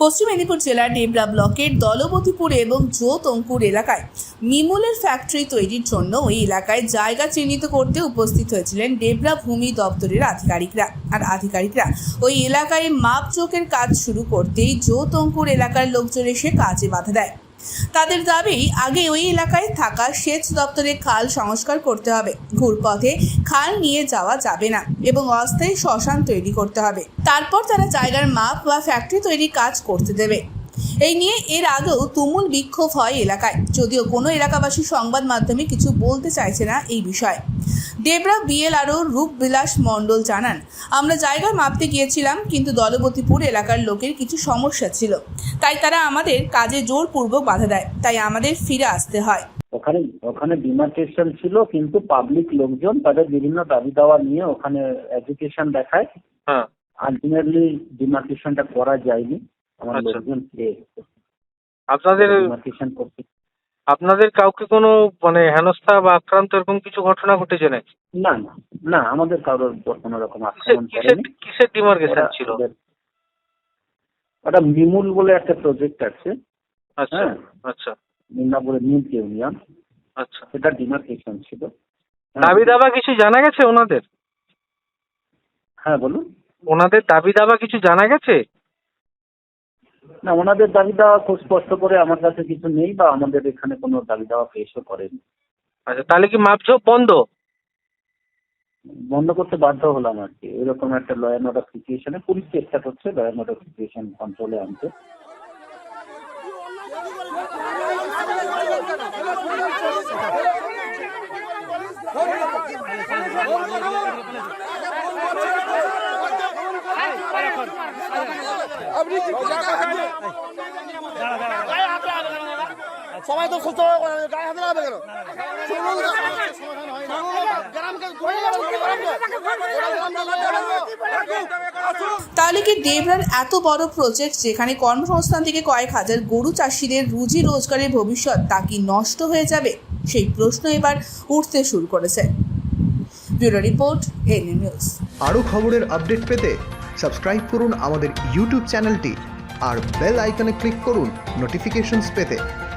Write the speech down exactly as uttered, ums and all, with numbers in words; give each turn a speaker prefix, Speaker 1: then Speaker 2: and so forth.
Speaker 1: পশ্চিম মেদিনীপুর জেলার ডেবরা ব্লকের দলবতীপুর এবং জোতঙ্কুর এলাকায় মিমুলের ফ্যাক্টরি তৈরির জন্য ওই এলাকায় জায়গা চিহ্নিত করতে উপস্থিত হয়েছিলেন ডেবরা ভূমি দপ্তরের আধিকারিকরা। আর আধিকারিকরা ওই এলাকায় মাপজোকের কাজ শুরু করতেই জোতঙ্কুর এলাকার লোকজন এসে কাজে বাধা দেয়। তাদের দাবি, আগে ওই এলাকায় থাকা সেচ দপ্তরের খাল সংস্কার করতে হবে, ঘুরপথে খাল নিয়ে যাওয়া যাবে না এবং অস্থায়ী শ্মশান তৈরি করতে হবে। তারপর তারা জায়গার মাপ বা ফ্যাক্টরি তৈরির কাজ করতে দেবে। এই নিয়ে এর আগেও তুমুল বিক্ষোভ হয় এলাকায়, যদিও কোনো এলাকাবাসী সংবাদ মাধ্যমে কিছু বলতে চাইছে না এই বিষয়ে। ডেবরা বিএলআরও রূপবিলাস মণ্ডল জানান, আমরা জায়গা মাপতে গিয়েছিলাম, কিন্তু দলবতীপুর এলাকার লোকের কিছু সমস্যা ছিল, তাই তারা আমাদের কাজে জোরপূর্বক বাধা দেয়, তাই আমাদের ফিরে আসতে হয়।
Speaker 2: ওখানে ওখানে ডিমার্কেশন ছিল, কিন্তু পাবলিক লোকজন তাদের বিভিন্ন দাবি দাওয়া নিয়ে ওখানে এডুকেশন দেখায়।
Speaker 3: হ্যাঁ,
Speaker 2: আলটিমেটলি ডিমার্কেশনটা করা যায়নি। আমার
Speaker 3: আচ্ছা।
Speaker 2: লোকজন পেয়ে
Speaker 3: আপনাদের
Speaker 2: ডিমার্কেশন করতে
Speaker 3: আপনাদের কাউকে কোনো মানে হেনস্থা বা আক্রান্ত এরকম কিছু ঘটনা ঘটেছে নাকি?
Speaker 2: না না না আমাদের কারোর কোনো রকম
Speaker 3: কিসের
Speaker 2: আক্রমণ
Speaker 3: কিসের
Speaker 2: করেনি।
Speaker 3: কিসের ডিমার্কেশন
Speaker 2: ওরা-
Speaker 3: ছিল?
Speaker 2: ওদের- ওটা মিমুল বলে একটা প্রজেক্ট আছে,
Speaker 3: আচ্ছা
Speaker 2: হ্যাঁ।
Speaker 3: আচ্ছা
Speaker 2: মিদনাপুরে মিল্ক ইউনিয়ন,
Speaker 3: আচ্ছা।
Speaker 2: সেটা ডিমার্কেশন ছিল। হ্যাঁ।
Speaker 3: দাবি দাবা কিছু জানা গেছে ওনাদের?
Speaker 2: হ্যাঁ বলুন।
Speaker 3: ওনাদের দাবি দাবা কিছু জানা গেছে?
Speaker 2: না, ওনাদের দাবি দেওয়া খুব স্পষ্ট করে আমার কাছে কিছু নেই, বা আমাদের এখানে কোনো দাবি দেওয়া পেশও করেনি।
Speaker 3: আচ্ছা, তাহলে কি মাপজোক বন্ধ?
Speaker 2: বন্ধ করতে বাধ্য হলাম আর কি। এরকম একটা ল অ্যান্ড অর্ডার সিচুয়েশনে পুলিশ চেষ্টা করছে ল অ্যান্ড অর্ডার সিচুয়েশন কন্ট্রোলে আনতে।
Speaker 4: সবাই তো সুস্থ গায়ে হাতে লাগাবে কেন?
Speaker 1: তাহলে কি ডেবরার এত বড় প্রজেক্ট, যেখানে কর্মসংস্থান থেকে কয়েক হাজার গরু চাষিদের রুজি রোজগারের ভবিষ্যৎ, তা কি নষ্ট হয়ে যাবে? সেই প্রশ্ন এবার উঠতে শুরু করেছে। Bureau report, NN news.
Speaker 5: আরও খবরের আপডেট পেতে সাবস্ক্রাইব করুন আমাদের ইউটিউব চ্যানেলটি আর বেল আইকনে ক্লিক করুন নোটিফিকেশনস পেতে।